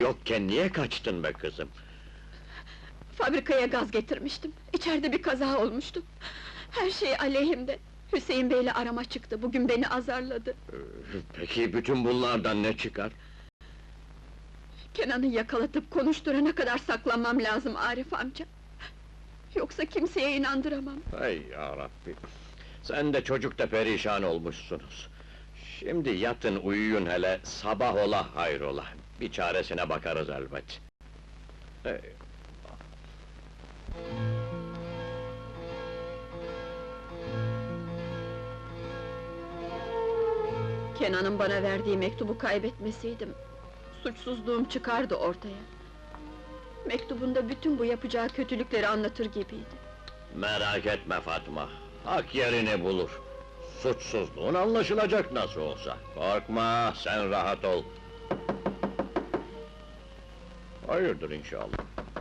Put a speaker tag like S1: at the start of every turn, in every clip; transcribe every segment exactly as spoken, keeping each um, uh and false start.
S1: yokken niye kaçtın be kızım?
S2: Fabrikaya gaz getirmiştim. İçeride bir kaza olmuştu. Her şey aleyhimde. Hüseyin Bey'le arama çıktı. Bugün beni azarladı.
S1: Peki bütün bunlardan ne çıkar?
S2: Kenan'ı yakalatıp konuşturana kadar saklanmam lazım Arif amca. Yoksa kimseye inandıramam.
S1: Hay yarabbi! Sen de çocuk da perişan olmuşsunuz. Şimdi yatın uyuyun hele, sabah ola hayrola. Bir çaresine bakarız elbet. Hey.
S2: Kenan'ın bana verdiği mektubu kaybetmeseydim, suçsuzluğum çıkardı ortaya. Mektubunda bütün bu yapacağı kötülükleri anlatır gibiydi.
S1: Merak etme Fatma, hak yerini bulur. Suçsuzluğun anlaşılacak nasıl olsa. Korkma, sen rahat ol. Hayırdır inşallah.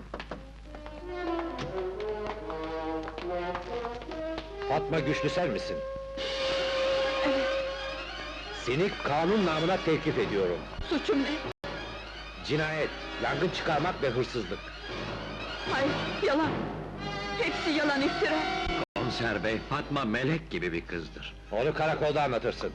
S3: Fatma Güçlüsel misin?
S2: Evet,
S3: Seni kanun namına tevkif ediyorum.
S2: suçum ne?
S3: Cinayet, yangın çıkarmak ve hırsızlık.
S2: Hayır, yalan! Hepsi yalan, iftira!
S1: Komiser bey, Fatma melek gibi bir kızdır.
S3: Onu karakolda anlatırsın.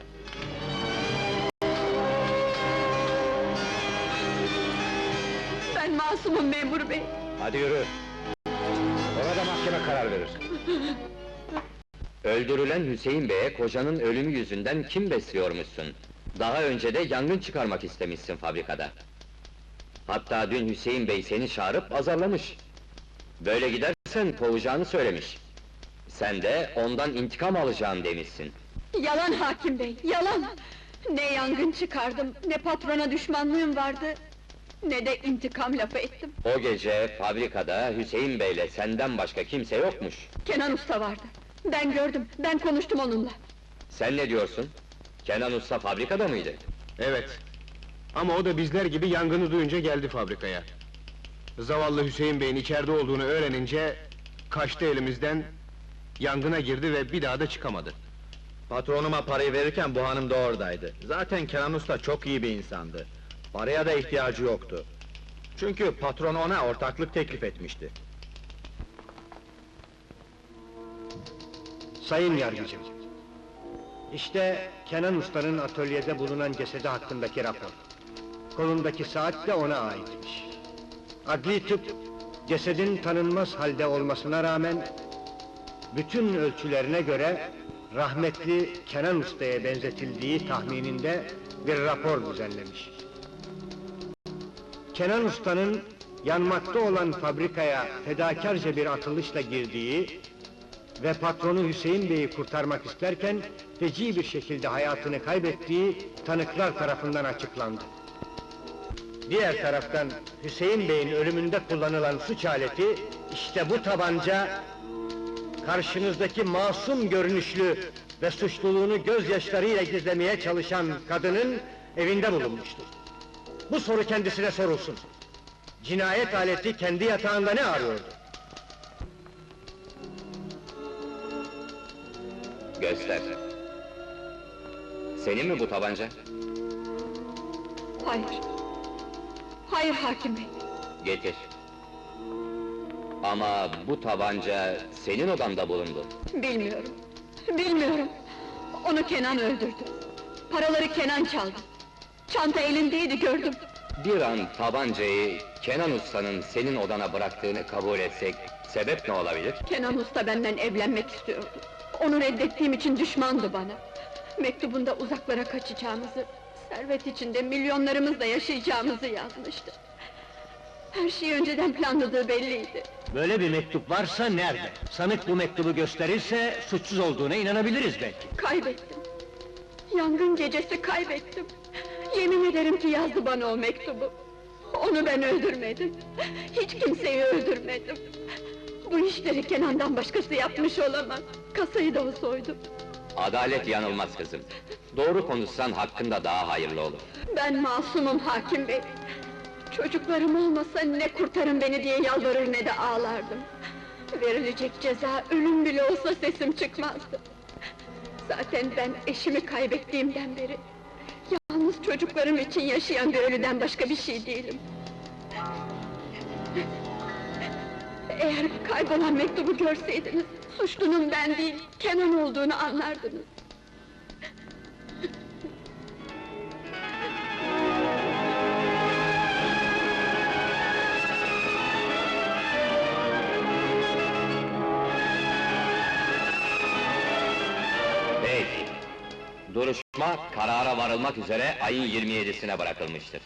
S2: Ben masumum memur bey!
S3: Hadi yürü. Ona da mahkeme karar verir.
S4: Öldürülen Hüseyin Bey'e kocanın ölümü yüzünden kim besliyormuşsun? Daha önce de yangın çıkarmak istemişsin fabrikada. Hatta dün Hüseyin Bey seni çağırıp azarlamış. Böyle gidersen kovacağını söylemiş. Sen de ondan intikam alacağım demişsin.
S2: Yalan hakim bey, yalan! Ne yangın çıkardım, ne patrona düşmanlığım vardı, ne de intikam lafı ettim.
S4: O gece fabrikada Hüseyin Bey'le senden başka kimse yokmuş.
S2: Kenan Usta vardı. Ben gördüm, ben konuştum onunla.
S4: Sen ne diyorsun? Kenan Usta fabrikada mıydı?
S5: Evet. Ama o da bizler gibi yangını duyunca geldi fabrikaya. Zavallı Hüseyin Bey'in içeride olduğunu öğrenince kaçtı elimizden, yangına girdi ve bir daha da çıkamadı.
S6: Patronuma parayı verirken bu hanım da oradaydı. Zaten Kenan Usta çok iyi bir insandı. Paraya da ihtiyacı yoktu. Çünkü patron ona ortaklık teklif etmişti.
S7: Sayın Yargıcım, işte Kenan Usta'nın atölyede bulunan cesedi hakkındaki rapor. Kolundaki saat de ona aitmiş. Adli tıp, cesedin tanınmaz halde olmasına rağmen, bütün ölçülerine göre, rahmetli Kenan Usta'ya benzetildiği tahmininde bir rapor düzenlemiş. Kenan Usta'nın yanmakta olan fabrikaya fedakarca bir atılışla girdiği ve patronu Hüseyin Bey'i kurtarmak isterken feci bir şekilde hayatını kaybettiği tanıklar tarafından açıklandı. Diğer taraftan Hüseyin Bey'in ölümünde kullanılan suç aleti işte bu tabanca, karşınızdaki masum görünüşlü ve suçluluğunu gözyaşlarıyla gizlemeye çalışan kadının evinde bulunmuştur. Bu soru kendisine sorulsun. Cinayet aleti kendi yatağında ne arıyordu?
S4: Göster. Senin mi bu tabanca?
S2: Hayır! Hayır hakim bey!
S4: Getir. Ama bu tabanca senin odanda bulundu.
S2: Bilmiyorum, bilmiyorum! Onu Kenan öldürdü. Paraları Kenan çaldı. Çanta elindeydi, gördüm.
S4: Bir an tabancayı Kenan Usta'nın senin odana bıraktığını kabul etsek, sebep ne olabilir?
S2: Kenan Usta benden evlenmek istiyordu. Onu reddettiğim için düşmandı bana. Mektubunda uzaklara kaçacağımızı, servet içinde milyonlarımızla yaşayacağımızı yazmıştı. Her şeyi önceden planladığı belliydi.
S7: Böyle bir mektup varsa nerede? Sanık bu mektubu gösterirse suçsuz olduğuna inanabiliriz belki.
S2: Kaybettim. Yangın gecesi kaybettim. Yemin ederim ki yazdı bana o mektubu. Onu ben öldürmedim. Hiç kimseyi öldürmedim. Bu işleri Kenan'dan başkası yapmış olamaz. Kasayı da o soydu.
S4: Adalet yanılmaz kızım. Doğru konuşsan hakkında daha hayırlı olur.
S2: Ben masumum hakim bey. Çocuklarım olmasa ne kurtarın beni diye yalvarır ne de ağlardım. Verilecek ceza ölüm bile olsa sesim çıkmazdı. Zaten ben eşimi kaybettiğimden beri yalnız çocuklarım için yaşayan bir ölüden başka bir şey değilim. Eğer kaybolan mektubu görseydiniz, suçlunun ben değil, Kenan olduğunu anlardınız.
S4: Peki. Duruşma karara varılmak üzere ayın yirmi yedisine bırakılmıştır.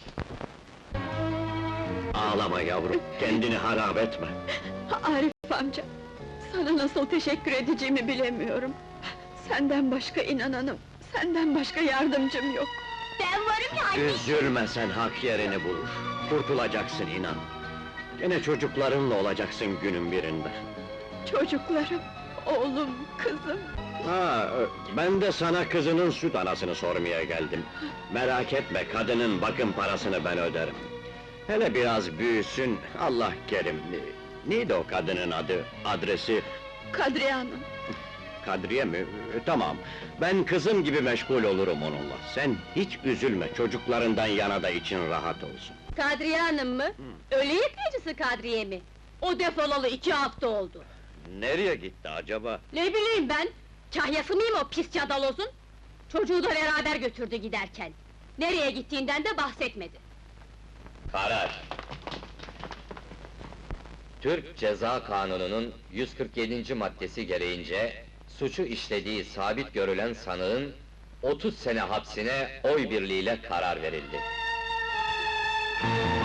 S1: Ağlama yavrum, kendini harap etme.
S2: Arif amca, sana nasıl teşekkür edeceğimi bilemiyorum. Senden başka inananım, senden başka yardımcım yok.
S8: Ben varım ya anne!
S1: Üzülme sen, hak yerini bulur. Kurtulacaksın inan. Gene çocuklarınla olacaksın günün birinde.
S2: Çocuklarım, oğlum, kızım.
S1: Ha, ben de sana kızının süt anasını sormaya geldim. Merak etme, kadının bakım parasını ben öderim. Hele biraz büyüsün, Allah kerim. Neydi o kadının adı, adresi?
S2: Kadriye Hanım,
S1: Kadriye mi? E, Tamam, ben kızım gibi meşgul olurum onunla. Sen hiç üzülme, çocuklarından yana da için rahat olsun.
S8: Kadriye Hanım mı? Ölü yıkayıcısı Kadriye mi? O defolalı iki hafta oldu.
S1: Nereye gitti acaba?
S8: Ne bileyim ben? Kahyası mıyım o pis cadalozun? Çocuğu da beraber götürdü giderken. Nereye gittiğinden de bahsetmedi.
S4: Karar! Türk Ceza Kanunu'nun yüz kırk yedinci maddesi gereğince, suçu işlediği sabit görülen sanığın otuz sene hapsine oy birliğiyle karar verildi.